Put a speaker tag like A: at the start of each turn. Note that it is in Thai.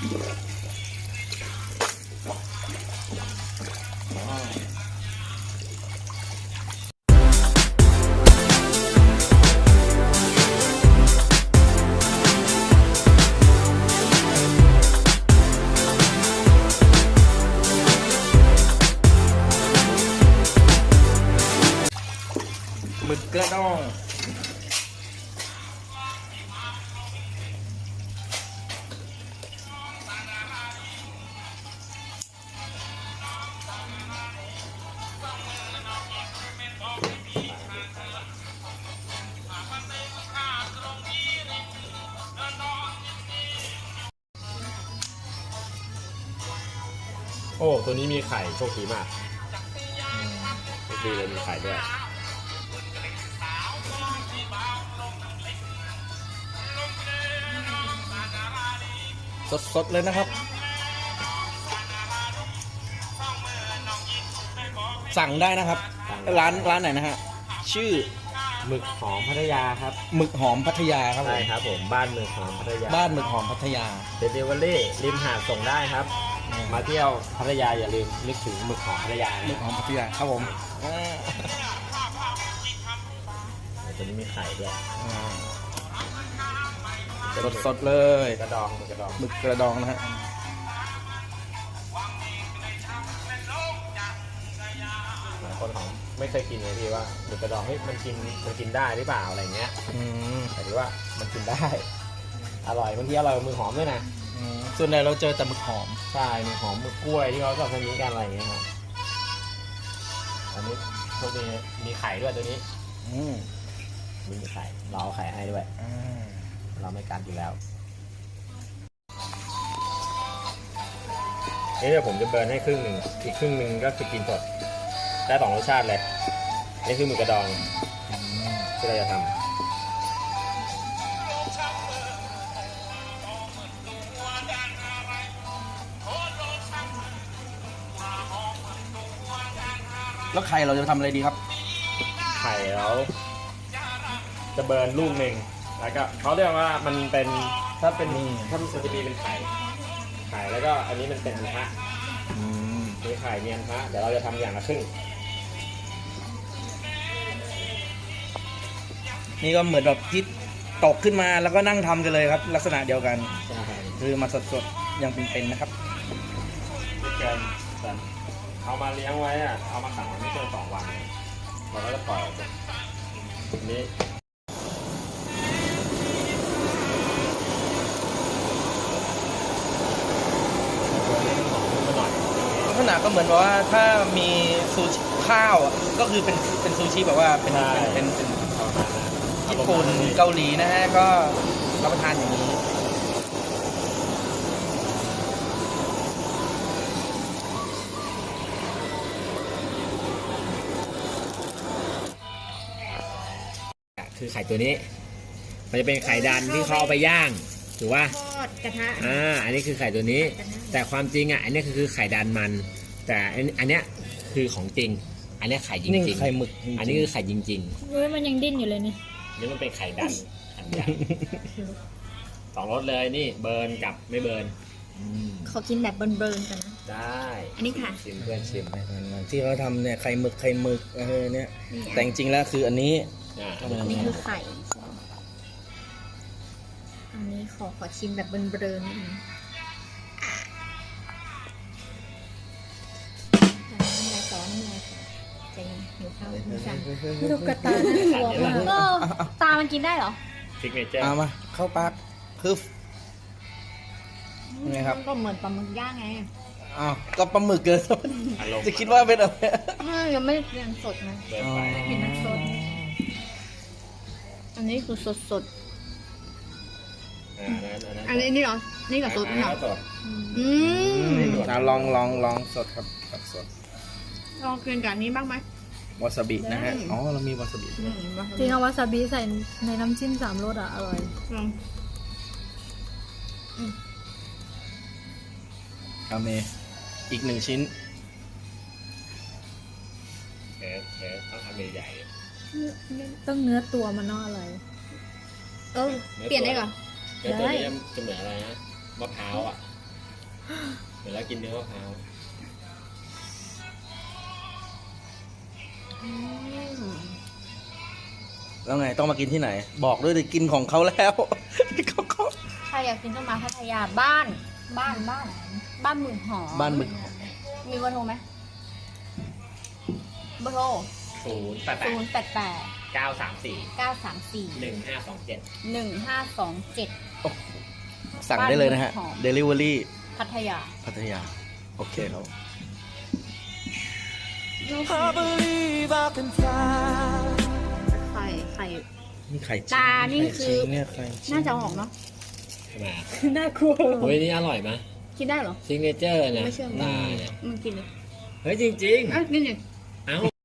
A: หมึกกระดอง
B: โอ้ตัวนี้มีไข่โชคดีมากโชคดีเลยมีไข่ด้วย
A: สดๆเลยนะครับสั่งได้นะครับร้านไหนนะฮะชื่อ
B: หมึกหอมพัทยาครับ
A: หมึกหอมพัทยาครับผ
B: ใช่
A: ม
B: ครับผมบ้านหมึกหอมพัทยา
A: บ้านหมึกหอมพัทยา
B: เดลิเวอรี่ริมหาดส่งได้ครับ มาเที่ยวพัทยาอย่าลืมนึกถึงหมึกหอมพัทยา
A: หมึกหอมพัทยาครับผม
B: ตัวนี้มีไข่ด้วย
A: สดๆเลย
B: กระดองกระดอง
A: หมึกกระดองนะฮะ
B: หลายคนของไม่เคยกินเลยพี่ว่าหมึกกระดองเฮ้ยมันกินได้หรือเปล่าอะไรเงี้ยแต่ที่ว่ามันกินได้อร่อยบางทีอร่อยกว่าหมึกหอมด้วยนะ
A: ส่วนใหญ่เราเจอแต่หมึกหอม
B: ใช่หมึกหอมหมึกกล้วยที่เขาชอบทำนี้กันอะไรเงี้ยครับอันนี้พวกนี้มีไข่ด้วยตัวนี้มีไข่เราเอาไข่ให้ด้วยเราไม่กัดอยู่แล้วนี่เดี๋ยวผมจะเบิร์นให้ครึ่งหนึ่งอีกครึ่งหนึ่งก็คือกินสดได้สองรสชาติเลยนี่คือหมึกกระดองที่เราจะทำ
A: แล้วไข่เราจะทำอะไรดีครับ
B: ไข่แล้วจะเบิร์นลูกหนึ่งแล้วก็เขาเรียกว่ามันเป็นถ้ามันจะมีเป็นไข่แล้วก็อันนี้มันเป็นอันทะมีไข่มีอันทะเดี๋ยวเราจะทำอย่างละครึ่ง
A: นี่ก็เหมือนแบบที่ตกขึ้นมาแล้วก็นั่งทำกันเลยครับลักษณะเดียวกันคือมาสดๆยังเป็นๆนะครับ
B: เอามาเลี้ยงไว้อะเอามาขังไว้ไม่เกิน2 วันเราก็จะปล่อยออกมานี้
A: ลักษณะก็เหมือนแบบว่าถ้ามีซูชิข้าวก็คือเป็นซูชิแบบว่าเป็นญี่ปุ่นเกาหลีนะฮะก็รับประทานอย่างนี้
B: คือไข่ตัวนี้มันจะเป็นไข่ดันที่เขาเอาไปย่างถูกป่ะ
C: ทอดกระทะ
B: อันนี้คือไข่ตัวนี้แต่ความจริงอันนี้คือไข่ดันมันแต่อันเนี้ยคือของจริงอันนี้ไข่จริง
A: ไข่หมึก
B: อันนี้คือไข่จริง
C: เฮ้ยมันยังดิ้นอยู่เลยนี่
B: นี่มันเป็นไข่ดันอันใหญ่2 รสเลยนี่เบิร์นกับไม่เบิร์น
C: ขอกินแบบเบิร์นๆกันนะ
B: ได้
C: อันนี้ค่ะ
B: ชิมเพื่อนชิม
A: ที่เขาทำเนี่ยไข่หมึกเนี่ยแต่จริงๆแล้วคืออันนี้
C: อันนี้คือไข่อันนี้ขอชิมแบบเบิร์นๆนิดนึงน้ำลายซ้อนใจหิวข้าวหิวสั่งดูกระตาน่ากลัวมากตามันกินได้เหรอ
B: ซิกเนเจอร์
A: เอามาเข้าปากคือไงครับ
C: ก็เหมือนปลาหมึกย่างไง
A: อ้าวก็ปลาหมึกเกินจะคิดว่าเป็นอะไร
C: ยังไม่ยังสดนะกินน้ำสดอันนี้คือสดอันนี้เหรอนี่กับสดนี่เหรอ
A: ลองสดครับสด
C: ลองกินกับนี้บ้างไหม
A: วาซาบินะฮะอ๋อเรามีวาซาบิ
C: จริงเอาวาซาบิใส่ในน้ำจิ้ม3 รสอร่อย
A: เอาเมอีก1 ชิ้น
B: ต้องทำใหญ่
C: ต้องเนื้อตัวมันน่าอร่อยเปลี่ยนได้เหรอ
B: แล้วตัวนี้จะเหมือนอะไรนะมะพร้าวเดี๋ยวเรากินเนื้อมะพร้าว
A: แล้วไงต้องมากินที่ไหน บอกด้วยดิกินของเขาแล้ว เขา
C: ใครอยากกินต้องมาพัทยาบ้านหมึกหอม
A: บ้านหมึกหอม
C: มีเบอร์โทรไหมเบอร์โทร
B: 088
C: 088
B: 934
C: 934
B: 1527
C: 1527
A: สั่งได้เลยนะฮะ
C: บ้านหมึกหอม
A: Delivery
C: พัทยา
A: พัทยา โอเคครับ
C: ไข่
A: นี่ไข่
C: ตานี่คือ
A: เนี่ยไข่
C: น่าจะเอาออกเนาะ
B: ทำไมอ่ะ
C: น่ากลัว
B: เฮ้ยนี่อร่อยไหม
C: กินได้เหรอ
B: ซิงเกิลเจอร์นะ
C: ไม่เชื่อ
B: ตาเนี่ย
C: มึงกินเลย
B: เฮ้ยจริง
C: อ่ะกินดิ
B: ๆ เอ้า